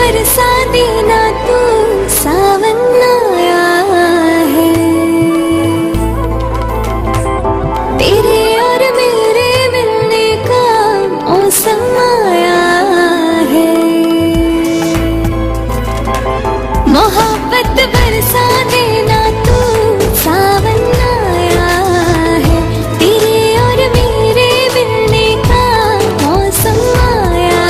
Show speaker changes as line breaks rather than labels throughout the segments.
बरसा देना तू सावन आया है तेरे और मेरे मिलने का मौसम आया है मोहब्बत बरसा देना तू सावन आया है तेरे और मेरे मिलने का मौसम आया।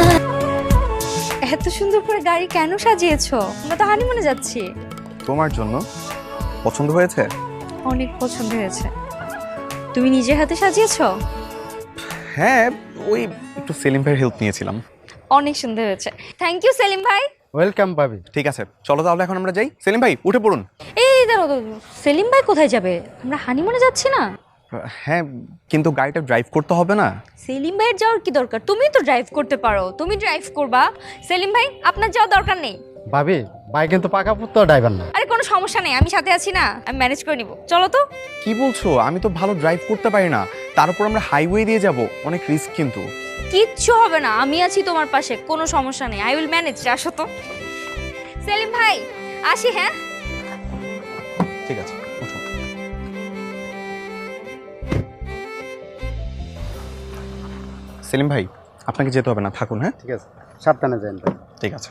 এত সুন্দর করে গাড়ি কেন সাজিয়েছো? আমরা তো হানিমুনে যাচ্ছি।
তোমার জন্য। পছন্দ হয়েছে?
অনেক পছন্দ হয়েছে। তুমি নিজের হাতে সাজিয়েছো?
হ্যাঁ, ওই একটু সেলিম ভাইয়ের হেল্প নিয়েছিলাম।
অনেক সুন্দর হয়েছে। থ্যাংক ইউ সেলিম ভাই।
ওয়েলকাম ভাবি।
ঠিক আছে, চলো তাহলে এখন আমরা যাই। সেলিম ভাই উঠে পড়ুন।
এই দাঁড়াও দাঁড়াও, সেলিম ভাই কোথায় যাবে? আমরা হানিমুনে যাচ্ছি না?
হ্যাঁ, কিন্তু গাড়িটা ড্রাইভ করতে হবে না?
সেলিম ভাইয়ের যাওয়ার কি দরকার? তুমি তো ড্রাইভ করতে পারো, তুমি ড্রাইভ করবা। সেলিম ভাই আপনার যাওয়ার দরকার নেই।
ভাবি ভাই কিন্তু পাকাপোক্ত ড্রাইভার না।
আরে কোনো সমস্যা নেই, আমি সাথে আছি না, আমি ম্যানেজ করে নিব। চলো তো।
কি বলছো? আমি তো ভালো ড্রাইভ করতে পারি না, তার উপর আমরা হাইওয়ে দিয়ে যাব, অনেক রিস্ক কিন্তু।
কিচ্ছু হবে না, আমি আছি তোমার পাশে, কোনো সমস্যা নেই। I will manage. আসো তো সেলিম ভাই, আসি। হ্যাঁ
ঠিক আছে, উঠো। সেলিম ভাই আপনাকে যেতে হবে না, থাকুন। হ্যাঁ
ঠিক আছে, সাবধানে যান ভাই।
ঠিক আছে।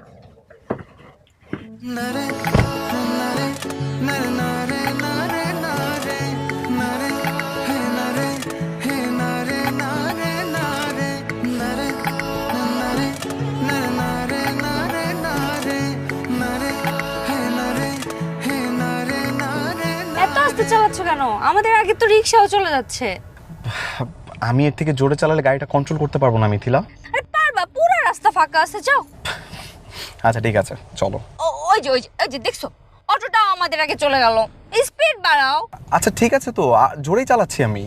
এত আস্তে চালাচ্ছ কেন? আমাদের আগে তো রিক্সাও চলে যাচ্ছে।
আমি এর থেকে জোরে চালালে গাড়িটা কন্ট্রোল করতে পারবো না মিথিলা।
আরে পারবা, পুরো রাস্তা ফাঁকা আছে, যাও।
আচ্ছা ঠিক আছে, চলো।
ওই যে দেখছো, অটোটাও আমাদের আগে চলে গেল। স্পিড বাড়াও।
আচ্ছা ঠিক আছে, তো জোরেই চালাচ্ছি আমি।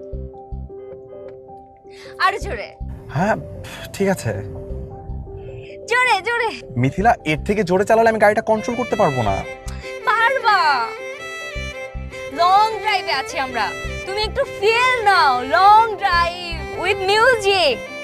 আরে জোরে।
হ্যাঁ ঠিক আছে।
জোরে জোরে।
মিথিলা, এর থেকে জোরে চালালে আমি গাড়িটা কন্ট্রোল করতে পারবো না।
পারবা। লং ড্রাইভে আছি আমরা, তুমি একটু ফিল নাও। Long drive with music.